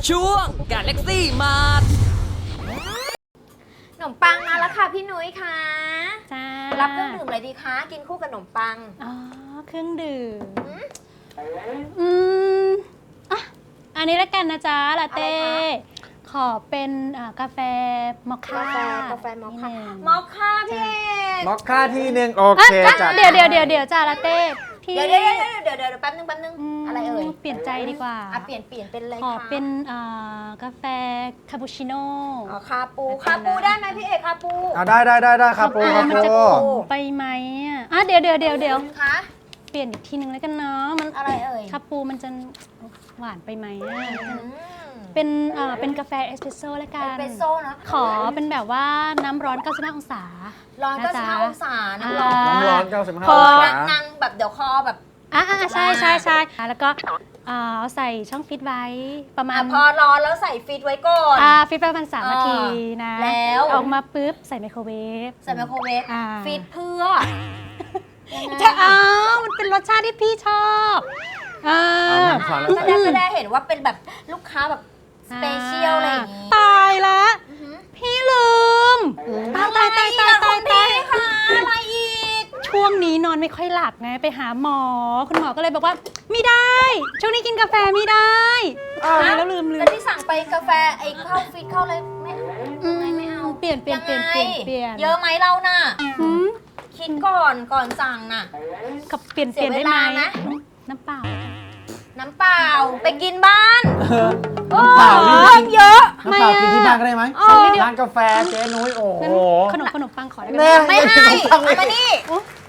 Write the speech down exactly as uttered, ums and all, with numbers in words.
ช่วงกาแล็กซี่มาร์ทขนมปังมาแล้วค่ะพี่นุ้ยค่ะจ้ารับเครื่องดื่มอะไรดีคะกินคู่กับขนมปังอ๋อเครื่องดื่มอืมอืมอ่ะอันนี้แล้วกันนะจ๊ะลาเต้อะไรคะขอเป็นอ่ากาแฟมอคค่ากาแฟกาแฟมอคค่านิดนึงมอคค่าพี่เอกมอคค่าที่หนึ่งโออ่ะเคอ่ะจ้ะเดี๋ยวเดี๋ยวเดี๋ยวเดี๋ยวจ้าลาเต้พี่เดี๋ยวเดี๋ยวเดี๋ยวเดี๋ยวเดี๋ยวแป๊บนึงแป๊บนึงมอะไรเอ่ยเปลี่ยนใจดีกว่าอ่ะเปลี่ยนเปลี่ยนเป็นอะไรขอคะเป็นอ่ากาแฟคาปูชิโน่อ๋อคาปูคาปูได้ไหมพี่เอกคาปูเอาได้ได้ได้ได้ครับปูครับมันจะปูขมไปไหมอ่ะอ่ะเดี๋ยวเดี๋ยวเดี๋ยวเดี๋ยวคะเปลี่ยนอีกทีนึงแล้วกันเนาะมันอะไรเอ่ยคาปูมันจะหวานไปไหมอ่ะอืมเป็นเอ่อเป็นกาแฟเอสเปรสโซ่แล้วกัเอน สเปรสโซ่เนอะขอเป็นแบบว่าน้ำร้อนเก้าสิบห้าองศาร้อนก็สิบห้านะจ๊ะองศาน้ำร้อนน้ำร้อนเก้าสิบห้าพอองศานั่งแบบเดี๋ยวคอแบบอ่ะอ่ะใช่ใช่ใช่แล้วก็เอ่อเอาใส่ช่องฟิตไว้ประมาณอ่ะพอร้อนแล้วใส่ฟิตไว้ก่อนอ่าฟิตประมาณสามเออนาทีนะแล้วออกมาปุ๊บใส่ไมโครเวฟใส่ไมโครเวฟอ่าฟิตเพื่อยังไงจะเอามันเป็นรสชาติที่พี่ชอบอ่าเอามาขอแล้วแสดงแสดงเห็นว่าเป็นแบบลูกค้าแบบสเปเชียลอะไรอย่างงี้ตายละอือหือพี่ลืมตายตายตายตายตายตายค่ะอะไรอีกช่วงนี้นอนไม่ค่อยหลับไงไปหาหมอ คุณหมอก็เลยบอกว่าไม่ได้ ช่วงนี้กินกาแฟไม่ได้ตายแล้วลืมลืแล้มวที่สั่งไปกาแฟไอ้เข้าฟิตเข้าเลยไม่เอาอืมไม่เอาเปลี่ยนเปลี่ยนเปลี่ยนงไงเปลี่ยนเปลี่ยนเยอะไหมเราน่ะหืมคิดก่อนก่อนสั่งน่ะกับเปลี่ยนเสีเปยลี่ยนได้ไหมเวลาไหมน้ำเปล่าน้ำเปล่าไปกินบ้านน้ำเปล่านี่เพิ่กิมนเยอะน้ำเปล่ากินที่บ้านก็ได้ไหมสักนิดเดียวร้านกาแฟเจ๊นุ้ยโอ้โหงั้นขนมขนมปังขอได้ไหมแน่ไม่ให้ไม่เอาไม่มานี่โอ๊ย